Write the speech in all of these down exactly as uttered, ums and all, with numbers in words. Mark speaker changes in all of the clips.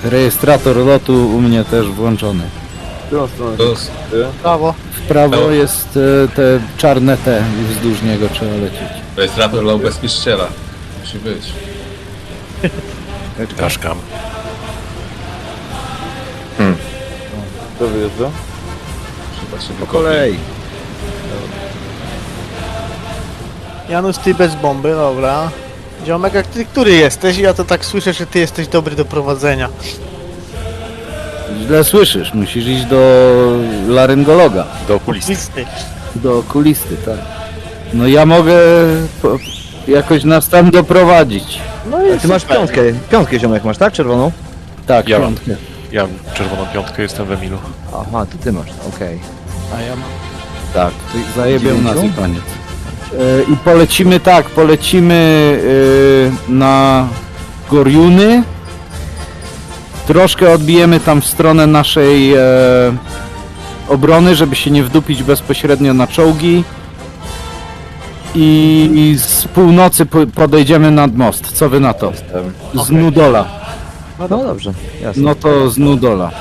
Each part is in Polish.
Speaker 1: Rejestrator lotu u mnie też włączony.
Speaker 2: W którą stronę?
Speaker 3: To
Speaker 4: Brawo.
Speaker 1: W prawo
Speaker 3: No.
Speaker 1: jest e, te czarne T i wzdłuż niego trzeba lecieć.
Speaker 3: rejestrator dla ubezpieczyciela. Musi być.
Speaker 5: Daszkam.
Speaker 2: Kto wyjeżdża?
Speaker 3: Trzeba się
Speaker 6: Po
Speaker 3: wykopić.
Speaker 6: kolei.
Speaker 4: Janusz, ty bez bomby, dobra. Ziomek, a ty który jesteś? Ja to tak słyszę, że ty jesteś dobry do prowadzenia.
Speaker 1: Źle słyszysz, musisz iść do laryngologa,
Speaker 5: Do okulisty.
Speaker 4: Listy.
Speaker 1: do okulisty, tak. No ja mogę po, jakoś nas tam doprowadzić.
Speaker 4: No i
Speaker 6: Ty masz
Speaker 4: super.
Speaker 6: piątkę, piątkę ziomek masz, tak? Czerwoną?
Speaker 1: Tak,
Speaker 5: Ja mam.
Speaker 1: piątkę.
Speaker 5: Ja mam czerwoną piątkę, jestem w Emilu.
Speaker 6: Aha, to ty masz, okej.
Speaker 4: A ja mam.
Speaker 1: Tak, to zajebią nas i
Speaker 6: Dziewięciu?
Speaker 1: koniec. E, I polecimy tak, polecimy e, na Goriuny. Troszkę odbijemy tam w stronę naszej e, obrony, żeby się nie wdupić bezpośrednio na czołgi. I, i z północy po, podejdziemy nad most. Co wy na to?
Speaker 6: Jestem.
Speaker 1: Z Nudola.
Speaker 6: No dobrze, jasne.
Speaker 1: No to z Nudola.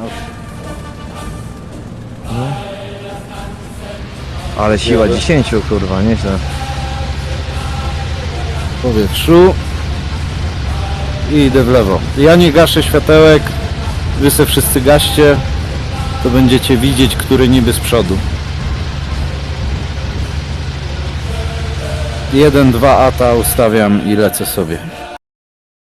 Speaker 6: Ale siła dziesięciu, kurwa, nieźle.
Speaker 1: W powietrzu. I idę w lewo. Ja nie gaszę światełek. Wy se wszyscy gaście. To będziecie widzieć, który niby z przodu. Jeden, dwa ata ustawiam i lecę sobie.